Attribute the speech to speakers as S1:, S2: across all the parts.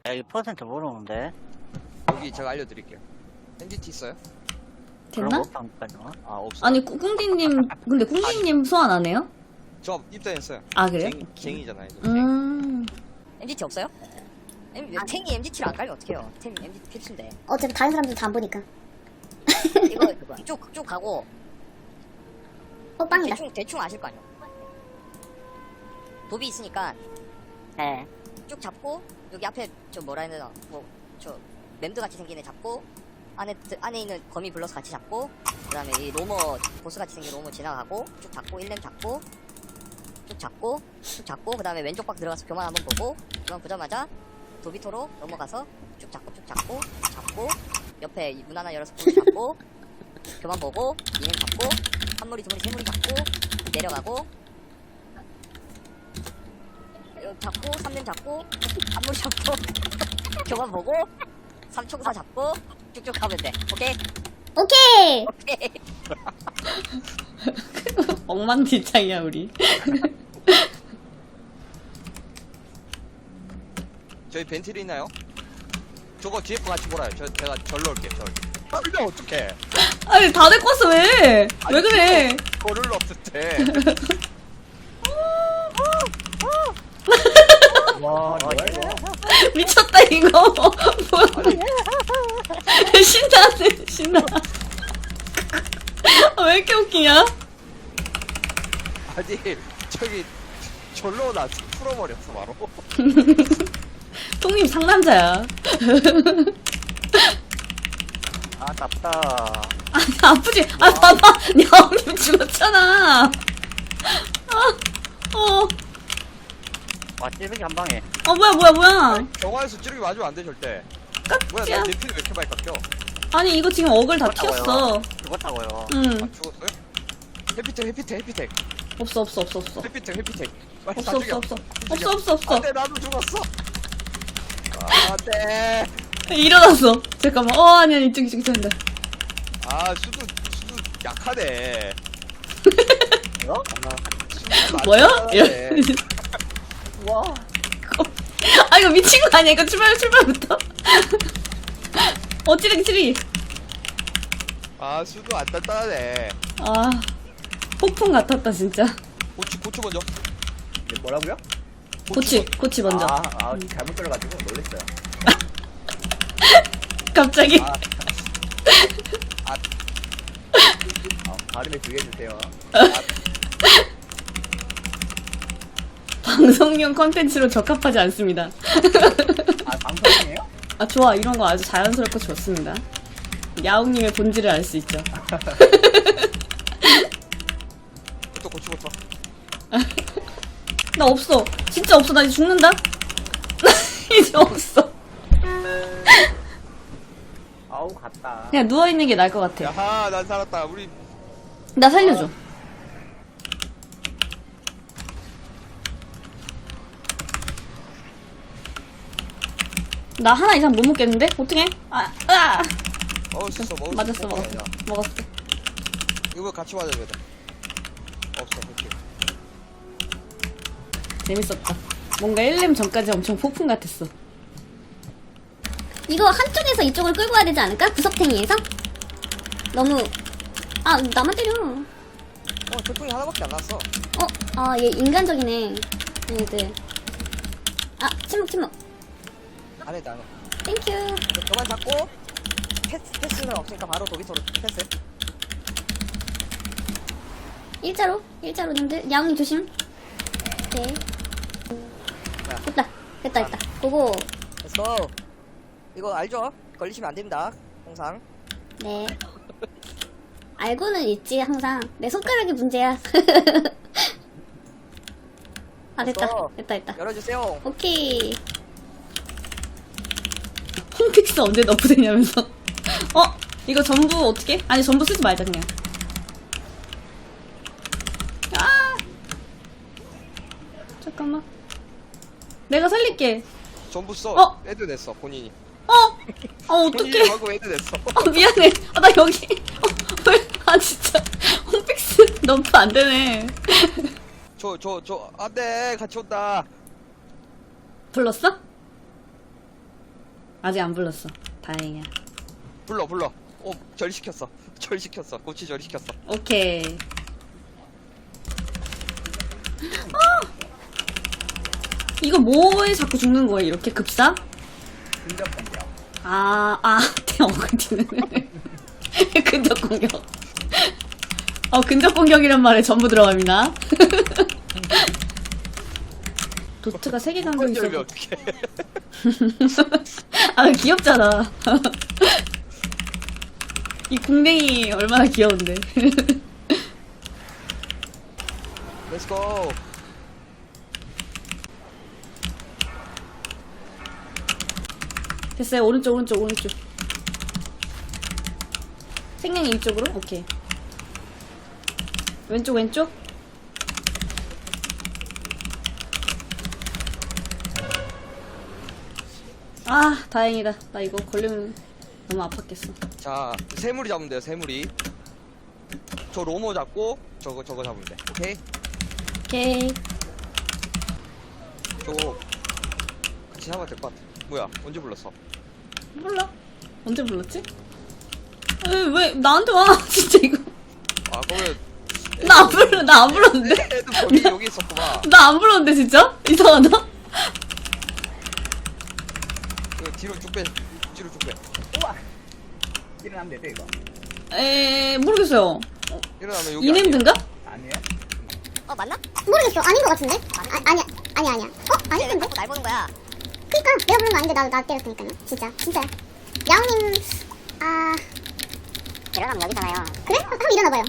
S1: 야, 이 퍼센트 모르는데.
S2: 여기 제가 알려드릴게요. MDT 있어요?
S1: 그런
S3: 됐나?
S1: 거 없다니까요.
S2: 아 없어요.
S3: 아니 꿍디님 근데 꿍디님 소환 안 해요?
S2: 저 입단했어요.
S3: 아 그래요?
S2: 쟁이잖아요. 이거.
S4: MGT 없어요? 탱이 MGT를 안 깔면 어떡해요? 탱이 MGT 필수인데.
S5: 어차피 다른 사람들 다 안 보니까.
S4: 이거 쭉 가고
S5: 빵이다.
S4: 대충 아실 거 아니에요? 도비 있으니까
S1: 네.
S4: 쭉 잡고 여기 앞에 저 뭐라 해야 되나 저 mem드 같이 생긴 애 잡고 안에 있는 거미 불러서 같이 잡고 그 다음에 이 로머 보스 같이 생긴 로머 지나가고 쭉 잡고 1렘 잡고 쭉 잡고 그 다음에 왼쪽 박 들어가서 교만 한번 보고 교만 보자마자 도비토로 넘어가서 쭉 잡고 옆에 이 문 하나 열어서 문 잡고 교만 보고 2렘 잡고 한 무리 두 무리 세 무리 잡고 내려가고 잡고 3렘 잡고 한 무리 잡고 교만 보고 3초구사 잡고 쭉쭉 가면 돼. 오케이?
S5: 오케이!
S4: 오케이.
S3: 엉망진창이야 우리.
S2: 저희 벤틀이 있나요? 저거 뒤에 거 같이 몰아요. 제가 절로 올게요. 절. 아 그냥 어떡해.
S3: 아니 다 데리고 왔어 왜? 왜 그래?
S2: 거를 없을 때.
S1: 와,
S3: 미쳤다 이거. 뭐야? 신나네 신나. 왜 이렇게 웃기냐?
S2: 아니 저기 절로 나 풀어버렸어 바로.
S3: 통님 상남자야.
S1: 아, 답다.
S3: 아니 아프지? 아 봐봐, 야옹님 죽었잖아.
S1: 와, 찌르기 한 방에.
S3: 뭐야?
S2: 경화에서 찌르기 맞으면 안 돼 절대. 뭐야
S3: 깍지야.
S2: 나내 피를 왜 이렇게 많이 깎여?
S3: 아니 이거 지금 어글 다 튀었어.
S1: 죽었다고요.
S3: 응.
S2: 아 죽었어요? 해피텍
S3: 없어.
S2: 해피텍 빨리 다
S3: 없어.
S2: 죽여.
S3: 없어.
S2: 안돼 나도 죽었어. 안돼.
S3: 일어났어. 잠깐만. 아니 이쪽 된다.
S2: 아 수두 약하네.
S1: 어?
S2: 수두
S3: 뭐야?
S2: 약하네.
S1: 와.
S3: 아 이거 미친 거 아니야? 이거 출발부터. 찌르기.
S2: 아 수두 안 단단하네.
S3: 아 폭풍 같았다 진짜.
S2: 고추 먼저.
S6: 뭐라고요?
S3: 고치 먼저.
S6: 잘못 들어가지고 놀랬어요.
S3: 갑자기.
S6: 발음에 주의해주세요.
S3: 방송용 컨텐츠로 적합하지 않습니다.
S6: 방송이에요?
S3: 아 좋아, 이런 거 아주 자연스럽고 좋습니다. 야옹님의 본질을 알 수 있죠.
S2: 또 고추부터.
S3: 나 없어. 진짜 없어. 나 이제 죽는다. 이제 없어.
S6: 아우 갔다.
S3: 그냥 누워있는 게 나을 것 같아.
S2: 야하 난 살았다. 우리
S3: 나 살려줘. 나 하나 이상 못 먹겠는데? 어떡해?
S2: 먹을 수 있어.
S3: 맞았어. 먹었어.
S2: 이거 같이 맞아야 돼. 없어. 오케이.
S3: 재밌었다. 뭔가 1렘 전까지 엄청 폭풍 같았어.
S5: 이거 한쪽에서 이쪽을 끌고 와야 되지 않을까? 구석탱이에서? 너무 나만 때려.
S2: 돌풍이 하나밖에 안 났어.
S5: 얘 인간적이네. 얘들. 침묵.
S2: 안 해.
S5: 땡큐.
S4: 저만 잡고 패스는 없으니까 바로 도비토로 패스.
S5: 일자로 님들. 야옹님 조심. 네. 됐다. 고고.
S4: 렛츠고. 이거 알죠? 걸리시면 안 됩니다. 항상.
S5: 네. 알고는 있지, 항상. 내 손가락이 문제야. 됐다.
S4: 열어주세요.
S5: 오케이.
S3: 홈픽스 언제 너프되냐면서. 이거 전부 어떻게? 아니 전부 쓰지 말자 그냥. 잠깐만. 내가 살릴게.
S2: 전부 써. 애드 냈어 본인이. 본인이
S3: 어떡해.
S2: 하고 애드 냈어.
S3: 미안해. 나 여기. 진짜. 홈픽스 너프 안 되네.
S2: 안돼 같이 온다.
S3: 불렀어? 아직 안 불렀어. 다행이야.
S2: 불러. 절시켰어. 고치 절시켰어.
S3: 오케이. 이거 뭐에 자꾸 죽는 거야, 이렇게 급사?
S6: 근접 공격.
S3: 근디는. 근접 공격. 근접 공격이란 말에 전부 들어갑니다. 도트가 3개 감겨 있어.
S2: 열면 어떡해.
S3: 귀엽잖아. 이 궁뎅이 얼마나 귀여운데.
S2: 렛츠고.
S3: 됐어요. 오른쪽. 생명이 이쪽으로? 오케이. 왼쪽. 다행이다. 나 이거 걸리면 너무 아팠겠어.
S2: 자, 새물이 잡으면 돼요, 새물이. 저 로모 잡고, 저거 잡으면 돼. 오케이?
S3: 오케이.
S2: 저거, 같이 잡아야 될 것 같아. 뭐야, 언제 불렀어?
S3: 몰라. 언제 불렀지? 왜 나한테 와? 진짜 이거.
S2: 그러면.
S3: 나 안 불렀는데?
S2: 애도 거기, 여기 있었구만.
S3: 나 안 불렀는데, 진짜? 이상하다?
S2: 뒤로 쭉 빼.
S6: 우와! 일어나면 되죠, 이거?
S3: 모르겠어요.
S2: 일어나면 여기.
S3: 이냄든가?
S6: 아니에요?
S4: 맞나?
S5: 모르겠어. 아닌 것 같은데? 아니야. 아니야. 아닐
S4: 왜
S5: 텐데?
S4: 자꾸 날 보는 거야?
S5: 그니까 내가 부른 거 아닌데 나 때렸으니까요. 진짜야. 야옹님
S4: 일어나면 여기잖아요.
S5: 그래? 한번 일어나봐요.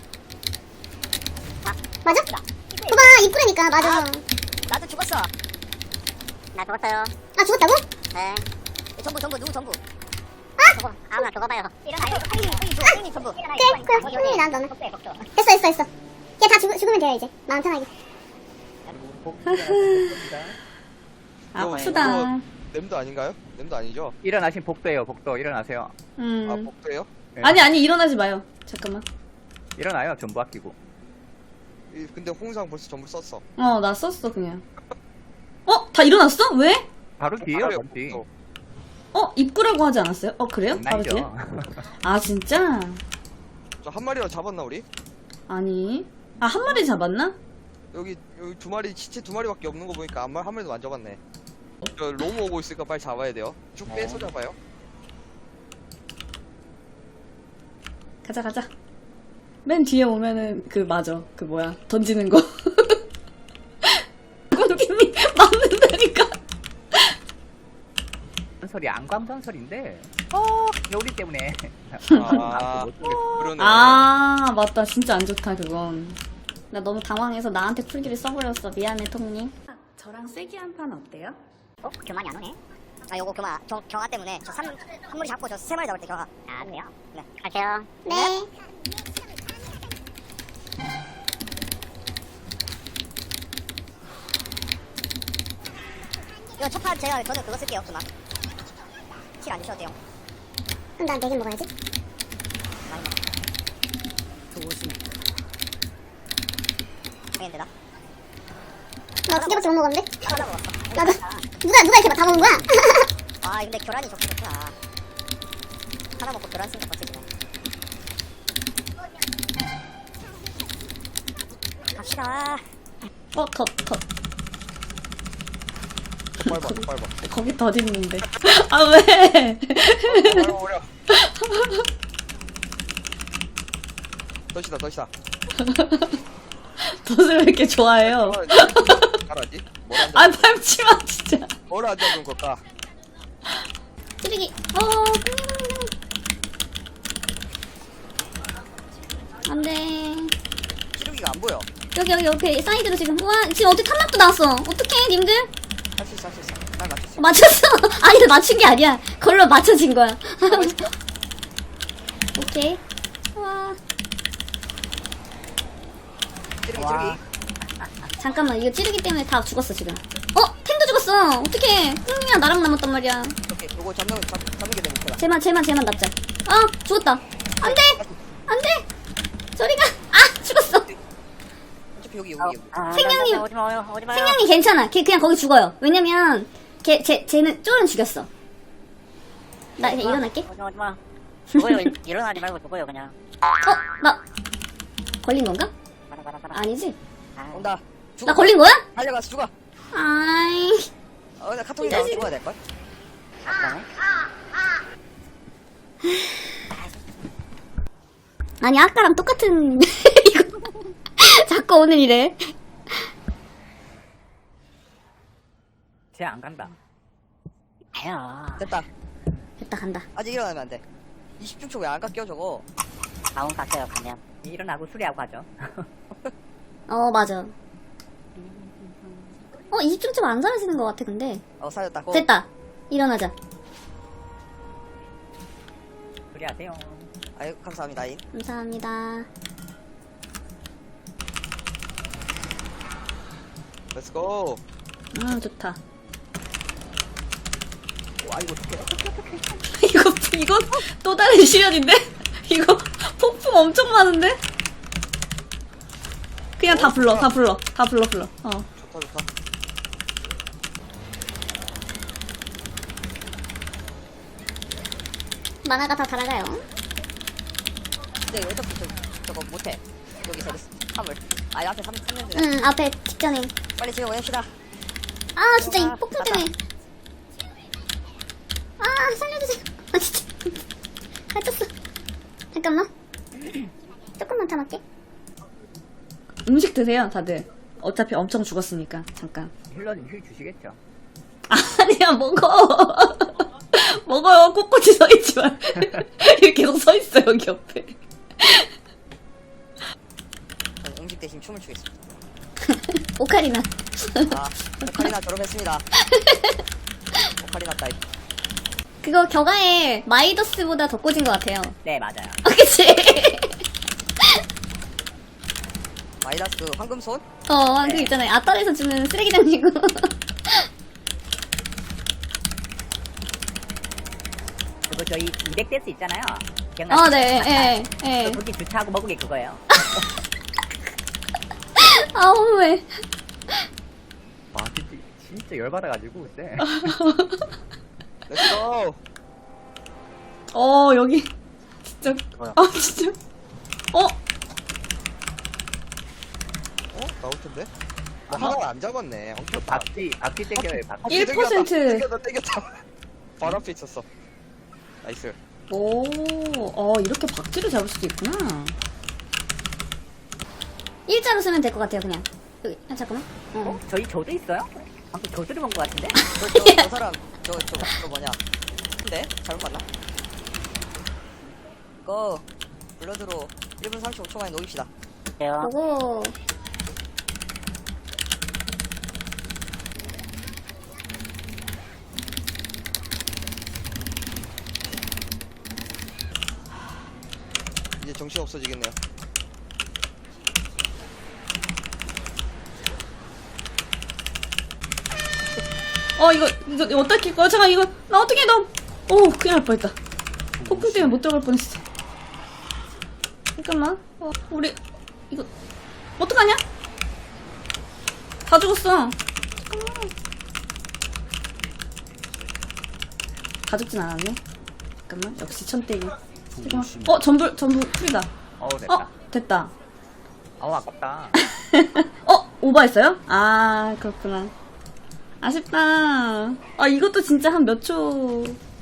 S5: 맞아? 봐봐 입구라니까 맞아.
S4: 나도 죽었어. 나 죽었어요.
S5: 죽었다고?
S4: 네. 전부 누구 전부?
S5: 아!
S4: 아무나 죽어봐요. 일어나요. 형님 전부.
S5: 그래 형님이 난 너는 됐어. 야 다 죽으면 돼요 이제 마음 편하게.
S3: 아프다.
S2: 냄도 아닌가요? 냄도 아니죠?
S6: 일어나신 복도예요, 복도. 일어나세요.
S2: 복도예요?
S6: 네.
S3: 아니, 일어나지 마요. 잠깐만.
S6: 일어나요, 전부 아끼고.
S2: 근데 홍상 벌써 전부 썼어.
S3: 나 썼어, 그냥. 다 일어났어? 왜?
S6: 바로 뒤에요,
S2: 바로
S6: 바로 뒤.
S2: 복도.
S3: 입구라고 하지 않았어요? 그래요? 바로 뒤에? 진짜?
S2: 저 한 마리라도 잡았나, 우리?
S3: 아니. 한 마리 잡았나?
S2: 여기 두 마리, 시체 두 마리밖에 없는 거 보니까 한 마리도 안 잡았네. 저 로모 오고 있으니까 빨리 잡아야 돼요. 쭉 빼서 잡아요.
S3: 가자. 맨 뒤에 오면은, 맞아. 던지는 거. 꼰팀이 맞는다니까.
S6: 전설이 안광 전설인데, 겨울이 때문에.
S2: 그러네.
S3: 맞다. 진짜 안 좋다, 그건. 나 너무 당황해서 나한테 풀기를 써버렸어. 미안해, 통님. 저랑 세기 한 판 어때요?
S4: 교만이 안 오네. 요거 교만. 경화 때문에 한 마리 잡고 저 3마리 잡을 때 경화. 그래요? 네. 갈게요.
S5: 네.
S4: 이거 첫 판 저는 그거 쓸게요. 교만. 킬 안 주셔도 돼요.
S5: 그럼 난 4개 먹어야지.
S4: 많이 먹어. 조심해. 되나?
S5: 나 2개밖에 못 먹었는데?
S4: 하나 먹었어.
S5: 나도 누가 이렇게 다 먹은 거야?
S4: 근데 교란이 좋구나. 하나 먹고 교란 쓰니까 버티지네. 갑시다.
S3: 컷.
S2: 더 밟아.
S3: 거기 더딨는데. 왜?
S2: 어려. 덫이다.
S3: 덫을 왜 이렇게 좋아해요?
S2: 잘하지? 뭘
S3: 밟지 마, 진짜.
S2: 안 잡은 걸까?
S5: 찌르기. 안 돼.
S2: 찌르기가 안 보여.
S5: 여기 옆에 사이드로 지금. 지금 어떻게 탐막도 나왔어. 어떡해, 님들?
S2: 할 수 있어. 난 맞췄어.
S5: 맞췄어. 아니, 맞춘 게 아니야. 걸로 맞춰진 거야. 오케이.
S2: 찌르기.
S5: 잠깐만, 이거 찌르기 때문에 다 죽었어, 지금. 탱도 죽었어. 어떡해. 흥이야, 나랑 남았단 말이야.
S2: 오케이, 요거 잡는 게 내 목표다.
S5: 쟤만 납자. 죽었다. 안 돼! 저리가! 죽었어.
S2: 어차피 여기.
S5: 생명님.
S4: 오지마요.
S5: 생명님 괜찮아. 걔 그냥 거기 죽어요. 왜냐면, 쟤는 쫄은 죽였어. 나 그냥 일어날게.
S1: 오지마. 죽어요. 일어나지 말고 죽어요, 그냥.
S5: 나 걸린 건가?
S1: 봐라.
S5: 아니지.
S2: 온다. 죽어.
S5: 나 걸린 거야?
S2: 달려가서 죽어.
S5: 아이.
S2: 나 카톡이랑 죽어야 될걸?
S1: 아까네.
S5: 아니 아까랑 똑같은 이거 자꾸 오늘 이래.
S6: 쟤 안 간다.
S1: 아야.
S2: 됐다.
S5: 됐다 간다.
S2: 아직 일어나면 안 돼. 20초 왜 안 깎여 저거?
S1: 다운 갔어요, 가면.
S6: 일어나고 수리하고 하죠.
S5: 맞아. 20점 안 사라지는 것 같아 근데.
S2: 살렸다. 고.
S5: 됐다. 일어나자.
S6: 수리하세요.
S2: 아유 감사합니다. 잉.
S5: 감사합니다.
S2: 렛츠고.
S3: 좋다.
S2: 와 이거 어떡해.
S3: 이건 또 다른 시련인데? 이거 폭풍 엄청 많은데? 그냥 다 불러.
S2: 좋다, 좋다.
S5: 만화가 다 달아가요.
S4: 근데 어차피 저거 못해. 여기서 화물. 아, 앞에 3년
S5: 응 앞에 직전에.
S4: 빨리 지금 보냅시다.
S5: 아 진짜 이 폭풍 때문에. 아 살려주세요. 아 진짜. 갇혔어. 잠깐만. 조금만 참을게.
S3: 음식 드세요, 다들. 어차피 엄청 죽었으니까. 잠깐.
S6: 힐러님 힐 주시겠죠?
S3: 아니야, 먹어. 먹어요. 꼿꼿이 서있지 말. 이렇게 계속 서있어, 여기 옆에.
S4: 저는 음식 대신 춤을 추겠습니다.
S5: 오카리나.
S4: 오카리나 졸업했습니다. 오카리나 따위.
S5: 그거 겨가에 마이더스보다 더 꽂은 것 같아요.
S6: 네, 맞아요.
S5: 그치?
S4: 마이다스 그 황금손?
S5: 그 있잖아요. 아따에서 주는 쓰레기장이고.
S6: 그거 저희 200대스 있잖아요. 기억나시죠?
S5: 네, 예.
S6: 거기 주차하고 먹은 게 그거예요.
S5: 왜.
S6: 와, 진짜 열받아가지고, 쎄.
S2: 렛츠고.
S3: 여기. 진짜. 진짜.
S2: 나올 텐데. 하나 안 잡았네. 엄청
S6: 박쥐 땡겨요, 박쥐.
S3: 1%.
S2: 땡겼다. 바로 앞에 있었어. 나이스.
S3: 이렇게 박쥐를 잡을 수도 있구나.
S5: 일자로 쓰면 될 것 같아요, 그냥. 여기, 잠깐만.
S6: 저도 있어요? 방금 저들이 본것 같은데?
S4: 저 사람, 저 뭐냐. 근데? 잘못 봤나? 이거, 블러드로 1분 35초 만에 녹입시다.
S1: 돼요.
S5: 보고.
S2: 이제 정신 없어지겠네요.
S3: 이거 어떻게 할 거야? 잠깐, 이거, 나 어떻게 해, 큰일 날 뻔했다. 폭풍 때문에 못 들어갈 뻔했어. 잠깐만. 우리, 이거, 어떡하냐? 다 죽었어. 잠깐만. 다 죽진 않았네. 잠깐만, 역시 천대기. 잠깐만. 전부 풀이다.
S6: 됐다.
S3: 됐다.
S6: 아깝다.
S3: 오버했어요? 그렇구나. 아쉽다. 이것도 진짜 한 몇 초